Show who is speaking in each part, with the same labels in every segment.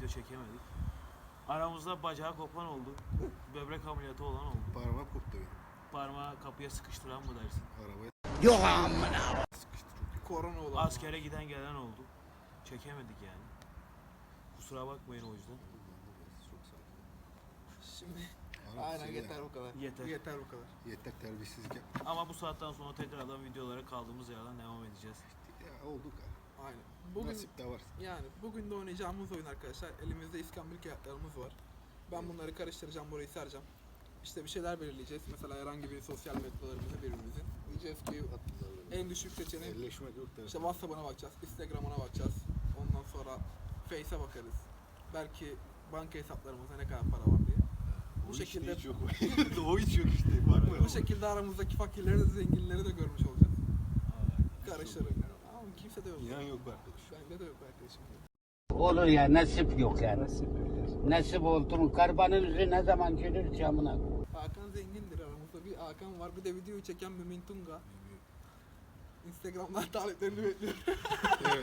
Speaker 1: çekemedik. Aramızda bacağı kopan oldu. Böbrek ameliyatı olan oldu.
Speaker 2: Parmak koptu benim.
Speaker 1: Parmağı kapıya sıkıştıran mı dersin?
Speaker 2: Arabaya
Speaker 3: Yok amına.
Speaker 2: sıkıştı çok.
Speaker 4: Korona olan.
Speaker 1: Askere giden gelen oldu. Çekemedik yani. Kusura bakmayın o yüzden.
Speaker 2: Çok sakin.
Speaker 4: Şimdi
Speaker 2: Ara,
Speaker 4: aynen
Speaker 2: söyle.
Speaker 4: yeter bu kadar.
Speaker 1: Yeter.
Speaker 4: Yeter bu kadar.
Speaker 2: Yeter terbiyesizlik yap.
Speaker 1: Ama bu saatten sonra tekrardan videolara kaldığımız yerden devam edeceğiz.
Speaker 2: Ya olduk ha.
Speaker 4: Aynen. Bugün
Speaker 2: Nasip de var.
Speaker 4: yani bugün de oynayacağımız oyun arkadaşlar. Elimizde iskambil kağıtlarımız var. Ben bunları karıştıracağım, burayı sereceğim. İşte bir şeyler belirleyeceğiz. Mesela herhangi bir sosyal medyalarımızı birbirimizin. Diyeceğiz ki en düşük seçenek
Speaker 2: Elleşmek yok
Speaker 4: işte
Speaker 2: tarafı.
Speaker 4: WhatsApp'ına bakacağız, Instagram'ına bakacağız. Ondan sonra Face'e bakarız. Belki banka hesaplarımızda ne kadar para var diye. Bu şekilde
Speaker 2: hiç yok. O hiç yok işte. Bakma.
Speaker 4: bu şekilde aramızdaki fakirleri de zenginleri de görmüş olacağız. Karıştırın. Ama kimse de yok.
Speaker 2: İnan yok be arkadaş.
Speaker 4: Bende de yok arkadaşım.
Speaker 3: Olur ya nasip yok yani. Nasip oldu mu? Karbanın yüzü ne zaman gelir camına?
Speaker 4: Hakan zengindir aramızda. Bir Hakan var. Bir de videoyu çeken Mümin Tunga. Instagram'dan taleplerini bekliyorum.
Speaker 2: Evet.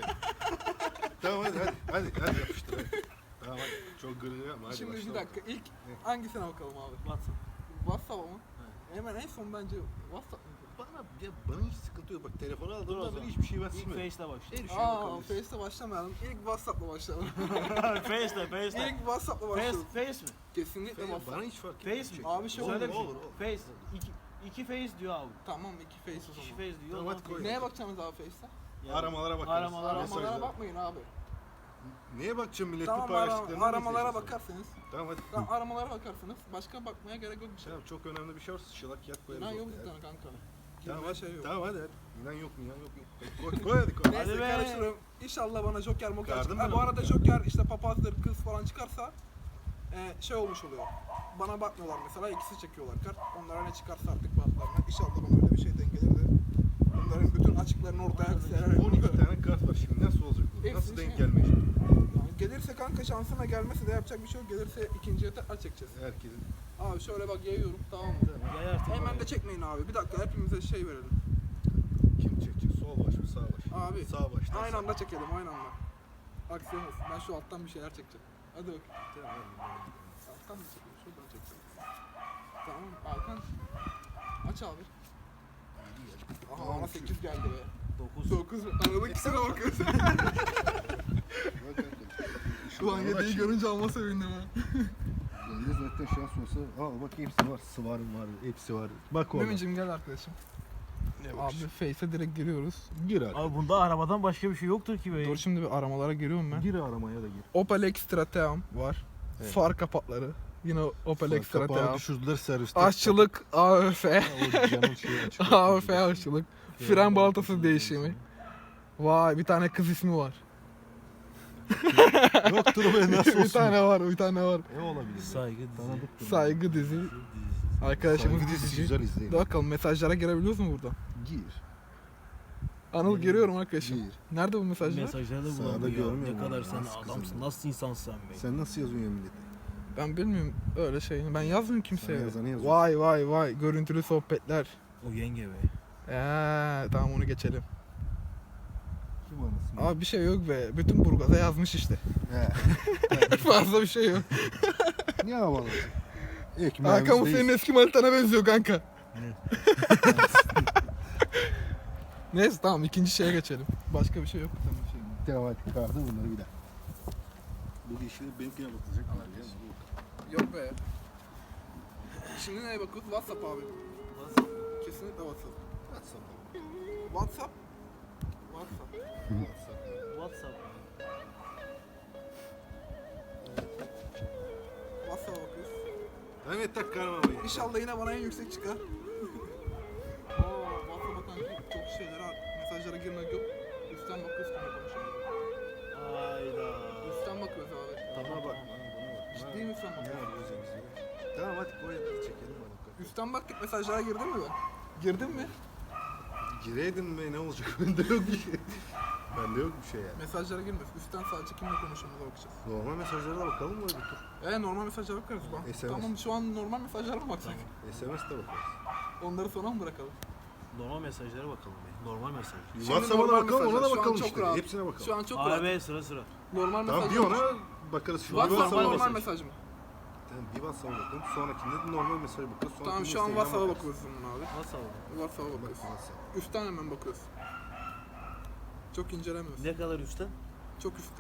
Speaker 2: Tamam hadi yapıştır hadi. Tamam hadi. Çok gırgır yapma hadi
Speaker 4: Şimdi
Speaker 2: başla
Speaker 4: bir dakika. İlk hangisine bakalım abi?
Speaker 1: WhatsApp.
Speaker 4: WhatsApp mı? Hemen en son bence WhatsApp mı?
Speaker 2: Bana hiç sıkıntı yok. Bak telefonu
Speaker 1: Dur o
Speaker 2: aldığımdan
Speaker 1: zaman.
Speaker 2: beri hiçbir şey ben
Speaker 1: İlk
Speaker 2: silmedim.
Speaker 1: Face'le başlayalım.
Speaker 2: Her şey
Speaker 4: Aa,
Speaker 2: bakalım.
Speaker 4: Face'le başlamayalım. İlk WhatsApp'la başlayalım.
Speaker 1: Face'le.
Speaker 4: İlk WhatsApp'la
Speaker 1: Face,
Speaker 4: başlayalım.
Speaker 1: face mi?
Speaker 4: Kesinlikle
Speaker 2: Bana
Speaker 4: WhatsApp.
Speaker 2: hiç fark
Speaker 1: Face
Speaker 2: etmez.
Speaker 1: mi?
Speaker 4: Abi şey
Speaker 1: Söyle
Speaker 4: olur,
Speaker 1: bir şey.
Speaker 2: olur.
Speaker 1: Face. İki face diyor abi.
Speaker 4: Tamam iki Face o
Speaker 1: İki
Speaker 4: zaman.
Speaker 1: face diyor.
Speaker 2: Tamam,
Speaker 1: o
Speaker 2: hadi
Speaker 1: zaman
Speaker 2: koy.
Speaker 4: Neye bakacaksınız abi Face'te?
Speaker 1: Yani
Speaker 2: Aramalara bakarız.
Speaker 1: Aramalara
Speaker 4: Aramalara bakmayın abi.
Speaker 2: Neye bakacağım milletin
Speaker 4: Tamam
Speaker 2: paylaştıklarına?
Speaker 4: aramalara bakarsınız.
Speaker 2: Tamam hadi.
Speaker 4: Tamam aramalara bakarsınız. Başka bakmaya gerek yok bir şey.
Speaker 2: Tamam çok önemli bir şey varsa şılak yak koyarız.
Speaker 4: İnan yok
Speaker 2: ortaya.
Speaker 4: bir tane kanka.
Speaker 2: Tamam
Speaker 4: Girmeye
Speaker 2: hadi.
Speaker 4: şey yok.
Speaker 2: Tamam hadi. İnan yok. Koy hadi koy.
Speaker 4: Neyse
Speaker 1: Hadi be.
Speaker 4: karıştırırım. İnşallah bana Joker moker
Speaker 2: Çıkardın
Speaker 4: çıkar.
Speaker 2: mı?
Speaker 4: Bu arada Joker işte papazdır kız falan çıkarsa şey olmuş oluyor. Bana bakmıyorlar mesela ikisi çekiyorlar kart. Onlara ne çıkarsa artık baklarına. İnşallah bana öyle bir şey denk gelir de. Bunların bütün açıklarını ortaya sererek.
Speaker 2: 12 tane kart var şimdi nasıl olacak bu?
Speaker 4: Hepsi
Speaker 2: Nasıl denk
Speaker 4: şey.
Speaker 2: gelmeyecek?
Speaker 4: Yani gelirse kanka şansına gelmesi de yapacak bir şey yok. Gelirse ikinciye tekrar çekeceğiz.
Speaker 2: Herkesin.
Speaker 4: Abi şöyle bak yayıyorum tamam mı?
Speaker 1: Yay artık.
Speaker 4: Hemen de çekmeyin abi. Bir dakika hepimize şey verelim.
Speaker 2: Kim çekecek? Sol baş mı sağ baş?
Speaker 4: Abi
Speaker 2: Sağ baştan
Speaker 4: aynı
Speaker 2: sağ.
Speaker 4: anda çekelim aynı anda. Aksiyon olsun. Ben şu alttan bir şeyler çekeceğim. Hadi bak.
Speaker 2: Tamam, hadi.
Speaker 4: Alttan mı çekeyim? Şuradan çekeceğim. Tamam Hakan. Aç abi. Aha
Speaker 2: Tamam,
Speaker 4: bana
Speaker 2: şu-
Speaker 4: 8 geldi be.
Speaker 1: 9.
Speaker 4: 9 mu? Arada ikisine bakıyoruz.
Speaker 2: Bak arkadaş.
Speaker 4: Ulan 7'yi görünce alma sevindim ha.
Speaker 2: Bende zaten şans olsa bak hepsi var. Sıvarım var. Hepsi var. Bak orada.
Speaker 4: Mümicim gel arkadaşım.
Speaker 2: Ne bak
Speaker 4: Abi Face'e direkt giriyoruz.
Speaker 2: Gir abi.
Speaker 1: Abi bunda arabadan başka bir şey yoktur ki be.
Speaker 4: Dur şimdi bir aramalara giriyorum ben.
Speaker 2: Gir aramaya da gir.
Speaker 4: Opel Extra Team var.
Speaker 2: Evet.
Speaker 4: Far kapakları. Yine Opel Extra
Speaker 2: Kapağı
Speaker 4: Team.
Speaker 2: düşürdüler serviste.
Speaker 4: Aşçılık AÖF.
Speaker 2: O canın şeyi açık.
Speaker 4: AÖF aşçılık. Fren balatası değişimi. Vay bir tane kız ismi var.
Speaker 2: Yoktur be nasıl olsun?
Speaker 4: bir tane var, bir tane var.
Speaker 2: Ne olabilir?
Speaker 1: Saygı dizi.
Speaker 2: Tanıdık.
Speaker 4: Saygı dizi. Arkadaşımız
Speaker 2: Saygı dizisi
Speaker 4: dizici.
Speaker 2: güzel izleyin.
Speaker 4: Dur bakalım mesajlara girebiliyoruz mu buradan?
Speaker 2: Gir.
Speaker 4: Anıl giriyorum arkadaşım.
Speaker 2: Gir.
Speaker 4: Nerede bu mesajlar?
Speaker 1: Mesajları da
Speaker 2: Sağda
Speaker 1: bulamıyor.
Speaker 2: görmüyor
Speaker 1: Ne
Speaker 2: musun?
Speaker 1: kadar sen
Speaker 2: Nasıl
Speaker 1: adamsın.
Speaker 2: kızım?
Speaker 1: Nasıl insansın sen be?
Speaker 2: Sen nasıl yazıyorsun millete?
Speaker 4: Ben bilmiyorum öyle şeyini. Ben yazmıyorum kimseye.
Speaker 2: Sen yazanı yazıyorsun.
Speaker 4: Vay vay vay. Görüntülü sohbetler.
Speaker 1: O yenge be.
Speaker 4: Tamam onu geçelim.
Speaker 2: Kim anasını?
Speaker 4: Abi bir şey yok be. Bütün Burgaz'a yazmış işte.
Speaker 2: He.
Speaker 4: Fazla bir şey yok.
Speaker 2: Ne havalı? Ekmeğimiz
Speaker 4: Hakan bu
Speaker 2: değil.
Speaker 4: senin eski manitana benziyor kanka. Neyse tamam ikinci şeye geçelim. Başka bir şey yok.
Speaker 2: Tamam hadi kaldı bunları bir daha. Bu işleri benimkine bakılacak.
Speaker 4: Yok be. Şimdi neye bakıyoruz? WhatsApp abi. Kesinlikle WhatsApp. WhatsApp. WhatsApp.
Speaker 1: WhatsApp.
Speaker 4: WhatsApp'a bakıyoruz.
Speaker 2: Evet tak karmamayı.
Speaker 4: İnşallah yine bana en yüksek çıkar. WhatsApp'a kanki çok şeyler var. Mesajlara girmek yok. Üstten bakıyoruz kanka konuşalım.
Speaker 1: Hayda.
Speaker 4: Üstten bakıyoruz abi.
Speaker 2: Bana bak. Bana bak.
Speaker 4: Ciddi mi üstten
Speaker 2: Ne
Speaker 4: bakıyoruz?
Speaker 2: yapıyorsun bize? Tamam hadi koy hadi çekelim hadi.
Speaker 4: Üstten baktık mesajlara girdin mi ben? Girdin mi?
Speaker 2: Gireydin be ne olacak? Bende yok bir şey. Bende yok bir şey yani.
Speaker 4: Mesajlara girmiyoruz. Üstten sadece kimle konuştuğumuza bakacağız.
Speaker 2: Normal mesajlara da bakalım mı? Bir tur?
Speaker 4: Normal mesajlara bakarız ben.
Speaker 2: SMS.
Speaker 4: Tamam şu an normal mesajlara mı baksak?
Speaker 2: SMS de bakarız.
Speaker 4: Onları sona mı bırakalım?
Speaker 1: Normal mesajlara bakalım be. Normal mesaj.
Speaker 4: Şimdi
Speaker 2: WhatsApp'a da
Speaker 4: normal
Speaker 2: bakalım ona
Speaker 4: mesajlar,
Speaker 2: da
Speaker 4: şu an
Speaker 2: bakalım
Speaker 4: çok
Speaker 2: işte.
Speaker 4: rahat.
Speaker 2: Hepsine bakalım.
Speaker 4: Şu an çok rahat.
Speaker 1: Abi sıra sıra.
Speaker 4: Normal
Speaker 2: Tamam
Speaker 4: mesajlar.
Speaker 2: bir ona bakarız şimdi.
Speaker 4: WhatsApp
Speaker 2: WhatsApp'a
Speaker 4: normal
Speaker 2: mesaj.
Speaker 4: mesaj mı?
Speaker 2: Tamam, bir WhatsApp'a bakalım. Sonrakinde de normal mesaj bakarız.
Speaker 4: Tamam şu an WhatsApp'a bakıyoruz bunun abi.
Speaker 1: Nasıl oldu?
Speaker 4: WhatsApp'a bakıyoruz. Üstten hemen bakıyoruz. Çok incelemiyoruz.
Speaker 1: Ne kadar üstten?
Speaker 4: Çok üstten.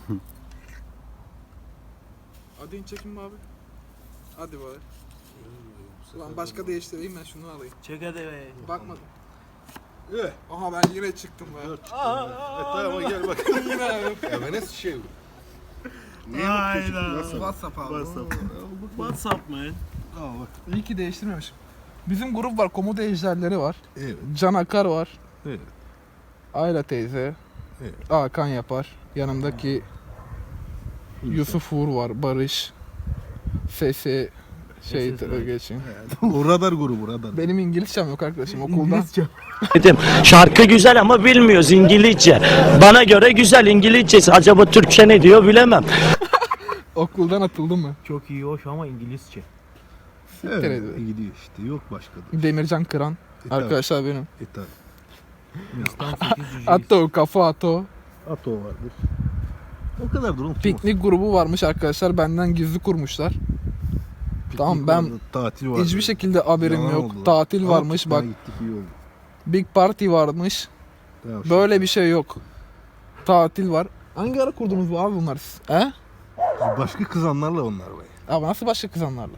Speaker 4: Hadi in çekin mi abi? Hadi bari. Ulan başka değiştireyim ben şunu alayım.
Speaker 1: Çek hadi be.
Speaker 4: Bakmadım.
Speaker 2: Evet.
Speaker 4: Aha ben yine çıktım be.
Speaker 2: Tamam gel bak.
Speaker 4: Yine abi.
Speaker 2: Ya ben nasıl şey bu? Niye
Speaker 1: Hayda.
Speaker 4: WhatsApp abi.
Speaker 1: WhatsApp man.
Speaker 2: Al bak.
Speaker 4: İyi ki değiştirmemişim. Bizim grup var, komodo ejderleri var.
Speaker 2: Evet.
Speaker 4: Can Akar var.
Speaker 2: Evet.
Speaker 4: Ayla teyze.
Speaker 2: Evet.
Speaker 4: Hakan yapar. Yanımdaki Yusuf Uğur var. Barış. Sesi geçin.
Speaker 2: O radar grubu radar.
Speaker 4: Benim İngilizcem yok arkadaşım okuldan.
Speaker 5: Dedim şarkı güzel ama bilmiyoruz İngilizce. Bana göre güzel İngilizcesi. Acaba Türkçe ne diyor bilemem.
Speaker 4: Okuldan atıldım mı?
Speaker 1: Çok iyi hoş ama İngilizce.
Speaker 2: Evet,
Speaker 4: Nerede?
Speaker 2: gidiyor işte. Yok başka da.
Speaker 4: Demircan Kıran.
Speaker 2: Arkadaşlar.
Speaker 4: Arkadaşlar benim.
Speaker 2: Tabii.
Speaker 1: İstan 8 cüceyiz.
Speaker 4: Ato, kafa Ato.
Speaker 2: Ato vardır. O kadar durum.
Speaker 4: Piknik grubu varmış arkadaşlar. Benden gizli kurmuşlar. Tamam, ben
Speaker 2: tatil var.
Speaker 4: Hiçbir şekilde haberim
Speaker 2: Yalan
Speaker 4: yok.
Speaker 2: oldu lan.
Speaker 4: Tatil
Speaker 2: Ama
Speaker 4: varmış
Speaker 2: tutmaya
Speaker 4: bak.
Speaker 2: Gittik, iyi oldu.
Speaker 4: Big Party varmış.
Speaker 2: Tamam,
Speaker 4: Böyle bir şey yok. Tatil var. Hangi ara kurdunuz bu abi bunlar siz? He?
Speaker 2: Başka kızanlarla onlar be.
Speaker 4: Abi nasıl başka kızanlarla?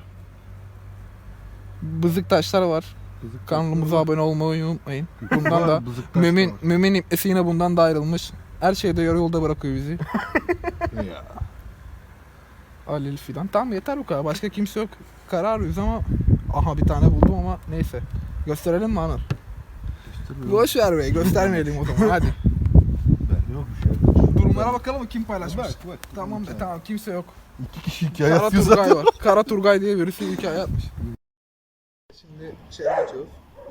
Speaker 4: Bızık taşlar var. Kanalımıza abone olmayı unutmayın. Bundan da Mümin İpnesi yine bundan da ayrılmış. Her şeyde yarı yolda bırakıyor bizi.
Speaker 2: Ya.
Speaker 4: Halil filan. Tamam yeter bu kadar. Başka kimse yok. Karar arıyoruz ama aha bir tane buldum ama neyse. Gösterelim mi Anıl? Boş ver be. Göstermeyelim o zaman hadi.
Speaker 2: Yok bir şey.
Speaker 4: Durumlara bakalım mı kim paylaşmış?
Speaker 2: Bak.
Speaker 4: Tamam de tamam kimse yok.
Speaker 2: 2 kişi hikaye
Speaker 4: Kara
Speaker 2: yapıyor
Speaker 4: Turgay
Speaker 2: zaten.
Speaker 4: var. Kara Turgay diye birisi hikaye atmış. Şimdi geçiyoruz.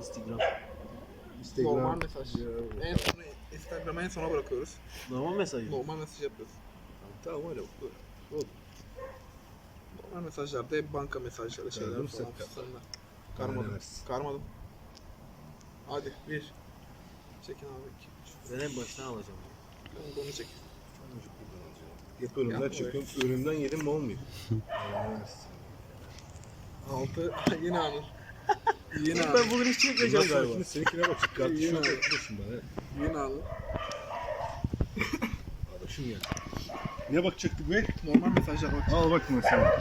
Speaker 4: Normal mesaj. En sona Instagram'a en sona bırakıyoruz.
Speaker 1: Normal mesaj.
Speaker 4: Normal mesaj yapıyoruz.
Speaker 2: Tamam öyle bak.
Speaker 4: Normal mesajlarda hep banka mesajları şeyler
Speaker 2: Gördüm,
Speaker 4: falan
Speaker 2: sen
Speaker 4: fistanlar.
Speaker 2: Bana
Speaker 4: Karmadım.
Speaker 2: versin.
Speaker 4: Karmadım. Hadi bir. Çekin abi. 2, 3.
Speaker 1: Ben en baştan alacağım.
Speaker 4: Ben bunu çek.
Speaker 2: Hep önümden
Speaker 4: Yapma
Speaker 2: çıkıyorum. Önümden yedim mi olmuyor.
Speaker 4: 6. Yine Anıl. Yine Anıl.
Speaker 1: Ben bugün hiç çekmeyeceğim galiba.
Speaker 2: Şimdi seninkine bak. Kardeşim
Speaker 4: Yine.
Speaker 2: yok. Arkadaşım bana.
Speaker 4: Yine Anıl.
Speaker 2: Arkadaşım geldi. Ne bakacaktık be?
Speaker 4: Normal mesajlar bak.
Speaker 2: Al bak mesela.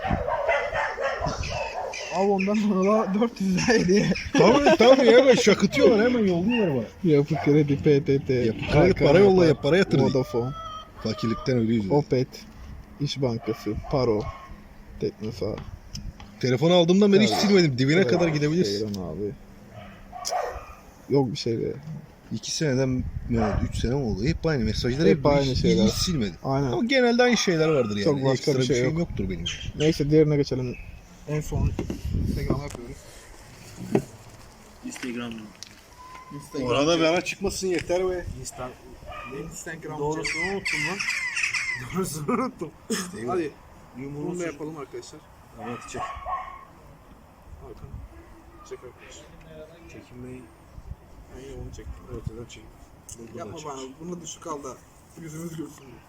Speaker 4: Al ondan sonra 400 lira hediye.
Speaker 2: Tamam ya ben şakıtıyorlar hemen yolluyorlar bana.
Speaker 4: Yapı kredi, PTT.
Speaker 2: Yapı kredi, para yolla ya, para yatır diye.
Speaker 4: Vodafone,
Speaker 2: Fakirlikten ölüyoruz.
Speaker 4: Opet, İş Bankası, Paro, Teknosa.
Speaker 2: Telefonu aldığımdan beri hiç
Speaker 4: Tabii.
Speaker 2: silmedim. Dibine
Speaker 4: Tabii.
Speaker 2: kadar gidebilirsin.
Speaker 4: Seyran abi. Yok bir şey be.
Speaker 2: 2 seneden 3 sene mi oldu? Hep aynı mesajlar.
Speaker 4: Hep aynı
Speaker 2: hiç,
Speaker 4: şeyler.
Speaker 2: Hiç silmedim.
Speaker 4: Aynen.
Speaker 2: Ama genelde aynı şeyler vardır yani.
Speaker 4: Çok başka
Speaker 2: Ekstra
Speaker 4: bir şey
Speaker 2: şeyim
Speaker 4: yok.
Speaker 2: yoktur benim.
Speaker 4: Neyse diğerine geçelim. En son Instagram'a yapıyoruz.
Speaker 1: Instagram'da.
Speaker 2: Orada bana çıkmasın yeter be.
Speaker 4: Instagram.
Speaker 1: Doğrusunu unuttum lan. Doğrusunu unuttum.
Speaker 4: Hadi. Bunu
Speaker 1: Yumruğunu
Speaker 4: da yapalım arkadaşlar.
Speaker 2: Tamam çek.
Speaker 4: Hakan. Çek arkadaşlar.
Speaker 1: Çekinmeyi.
Speaker 4: Ben yine onu çektim.
Speaker 2: Ortadan çek.
Speaker 4: Yapma bana. Bunu düşük al da yüzümüz görsün diye.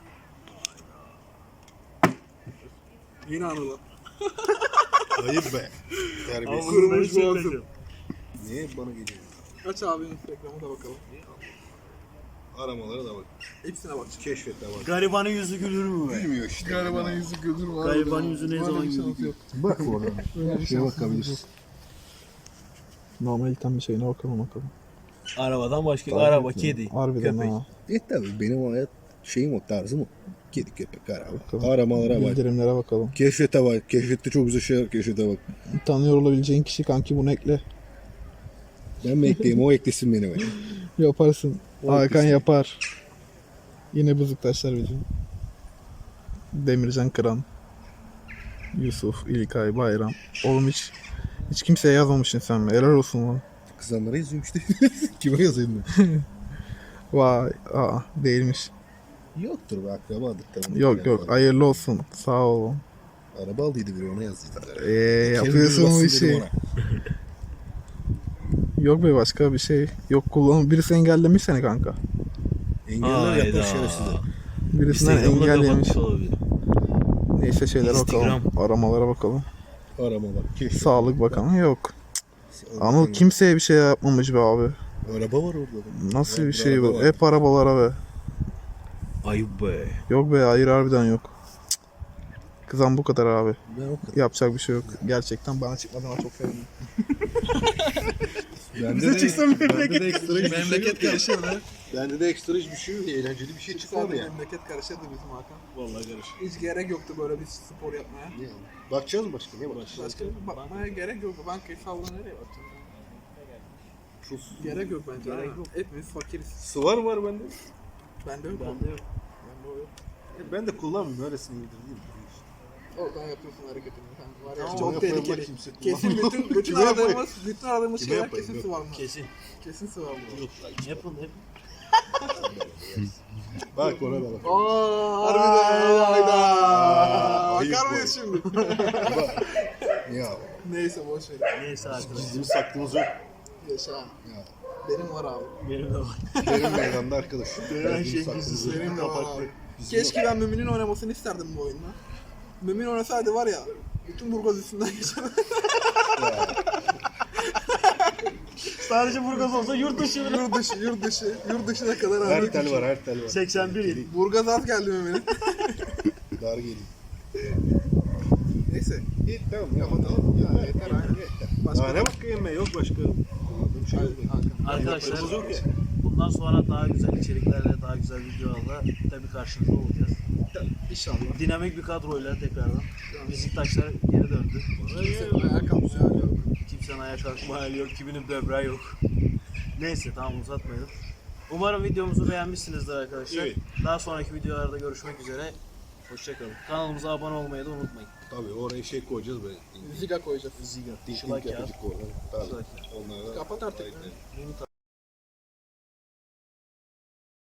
Speaker 4: Yine Anıl'a.
Speaker 2: Hayır be. Terbiyesiz.
Speaker 4: Kırmış boğazım.
Speaker 2: Niye bana geliyor?
Speaker 4: Aç abi Instagram'a da bakalım.
Speaker 2: Aramalara da bak.
Speaker 4: Hepsine bak.
Speaker 2: Keşfete bak.
Speaker 1: Garibanın yüzü gülür mü be?
Speaker 2: Gülmüyor işte.
Speaker 4: Garibanın yüzü gülür var.
Speaker 1: Garibanın yüzü ne zaman gülür?
Speaker 2: Bak oradan.
Speaker 4: Öyle bir
Speaker 2: Şeye
Speaker 4: şansımız
Speaker 2: bakabilirsin.
Speaker 4: yok. Normal ilten bir şeyine bakalım.
Speaker 1: Arabadan başka araba, kedi,
Speaker 4: Harbiden
Speaker 1: köpek.
Speaker 4: ha.
Speaker 2: Tabii benim hayat şeyim o tarzım o. Kedi köpek araba.
Speaker 4: Bakalım.
Speaker 2: Aramalara bak.
Speaker 4: Bildirimlere bakalım.
Speaker 2: Keşfete bak. Keşfette çok güzel şeyler keşfete bak.
Speaker 4: Tanıyor olabileceğin kişi kanki bunu ekle.
Speaker 2: Ben mi ekleyeyim o eklesin beni be.
Speaker 4: Yaparsın.
Speaker 2: O
Speaker 4: Hakan
Speaker 2: ikisi.
Speaker 4: yapar. Yine bızıktaşlar bizim. Demircan Kıran. Yusuf, İlkay, Bayram. Oğlum hiç kimseye yazmamışsın sen mi? Helal olsun lan.
Speaker 2: Kızanlara yazıyorum işte. Kime yazayım ben?
Speaker 4: Vay, değilmiş.
Speaker 2: Yoktur be akrabadır tabii.
Speaker 4: Yok, hayırlı olsun. Sağ olun.
Speaker 2: Araba aldıydı biri ona yazdıydı.
Speaker 4: Yapıyorsun bir şey. Yok be başka bir şey. Yok kullanım. Birisi engellemiş seni kanka.
Speaker 2: Engeller yapar şerefsizler.
Speaker 4: Birisinden
Speaker 1: Instagram'da
Speaker 4: engellemiş.
Speaker 1: kapatmış olabilir.
Speaker 4: Neyse şeylere bakalım. Aramalara bakalım.
Speaker 2: Aramalar. Keşke.
Speaker 4: Sağlık bakanı yok. Anıl kimseye bir şey yapmamış be abi.
Speaker 2: Araba var orada da.
Speaker 4: Nasıl
Speaker 2: Var,
Speaker 4: bir şey
Speaker 2: araba
Speaker 4: bu?
Speaker 2: var.
Speaker 4: Hep arabalara be.
Speaker 1: Ayıp be.
Speaker 4: Yok be, hayır harbiden yok. Cık. Kızan bu kadar abi.
Speaker 2: Ben o kadar.
Speaker 4: Yapacak bir şey yok. Gerçekten bana çıkmadığına çok sevindim.
Speaker 2: Bende
Speaker 4: çıksa
Speaker 2: bende de ekstra hiçbir şey
Speaker 4: Memleket
Speaker 2: yok ya.
Speaker 4: karışırdı.
Speaker 2: Bende de ekstra hiçbir şey yok. Eğlenceli bir şey çıkmadı yani.
Speaker 4: Memleket karışırdı bizim Hakan.
Speaker 2: Vallahi karışık.
Speaker 4: Hiç gerek yoktu böyle bir spor yapmaya.
Speaker 2: Yani. Bakacağız mı başka? Ne bakacağız?
Speaker 4: Başka bakmaya gerek yok. Bankayı salla nereye bakacağım? Gerek yok bence. Gerek yok. Hepimiz fakiriz.
Speaker 2: Sıvar var bende.
Speaker 4: Bende yok.
Speaker 1: Bende yok.
Speaker 4: Bende o yok.
Speaker 2: Ben de kullanmıyorum. Öylesine indirdim.
Speaker 4: Oradan yapıyorsun hareketini. Sen var ya
Speaker 2: Tamam,
Speaker 4: çok
Speaker 2: yapayım,
Speaker 4: tehlikeli.
Speaker 2: kimse
Speaker 4: Kesin bütün
Speaker 2: Kime yapayım?
Speaker 4: aradığımız
Speaker 2: Kime
Speaker 4: şeyler
Speaker 2: yapayım?
Speaker 4: kesin
Speaker 2: Yok.
Speaker 4: sıvarma.
Speaker 1: Kesin.
Speaker 4: Kesin sıvarma.
Speaker 1: Yapın hep.
Speaker 2: Bak orada bak.
Speaker 4: Harbiden hayda.
Speaker 2: Ayıp
Speaker 4: Bakar
Speaker 2: bu.
Speaker 4: mıyız şimdi?
Speaker 2: Ya
Speaker 4: Neyse boş ver.
Speaker 1: Neyse arkadaşlar.
Speaker 2: gizlimiz saklımız yok.
Speaker 4: Yaşa.
Speaker 2: Ya.
Speaker 4: Benim var abi.
Speaker 1: Benim de var.
Speaker 2: Benim meydanda arkadaş.
Speaker 1: Her şey
Speaker 2: saklımız
Speaker 1: gizli.
Speaker 2: yok.
Speaker 4: Benim de var
Speaker 1: Kapaklı.
Speaker 4: abi. Keşke ben Mümin'in oynamasını isterdim bu oyunda. Mümin oynasaydı var ya, bütün Burgaz üstünden geçer.
Speaker 1: Sadece Burgaz olsa yurt dışı.
Speaker 4: Yurt dışına kadar
Speaker 2: Her
Speaker 4: abi.
Speaker 2: tel var, her tel var.
Speaker 1: 81 yıl.
Speaker 4: Burgaz az geldi Mümin'in.
Speaker 2: Dar geleyim.
Speaker 4: Neyse.
Speaker 2: İyi tamam.
Speaker 4: Kapatalım. Ya, yeter aynen. Başka
Speaker 2: Daha ne bakayım ben? Yok başka. Kullandığım şey yok.
Speaker 1: Arkadaşlar
Speaker 2: Yaptığımız yok ya.
Speaker 1: bundan sonra daha güzel içeriklerle, daha güzel videolarla tabii karşınızda olacağız.
Speaker 4: İnşallah.
Speaker 1: Dinamik bir kadroyla tekrardan. Beşiktaşlar geri döndü.
Speaker 4: Ayağa kalkmıyor hala.
Speaker 1: Kimsenin ayağa kalkma hali yok, kiminin böbreği yok. Neyse tamam uzatmayalım. Umarım videomuzu beğenmişsinizdir arkadaşlar.
Speaker 2: Evet.
Speaker 1: Daha sonraki videolarda görüşmek üzere. Hoşçakalın. Kanalımıza abone olmayı da unutmayın.
Speaker 2: Tabii oraya şey koyacağız böyle.
Speaker 4: Ziga koyacağız.
Speaker 1: Ziga,
Speaker 2: Link
Speaker 1: şılak ya.
Speaker 2: yapıcı koyalım. Tabii.
Speaker 1: Şılak
Speaker 2: Onlara da
Speaker 4: Kapat artık.
Speaker 2: aynen.
Speaker 1: Limit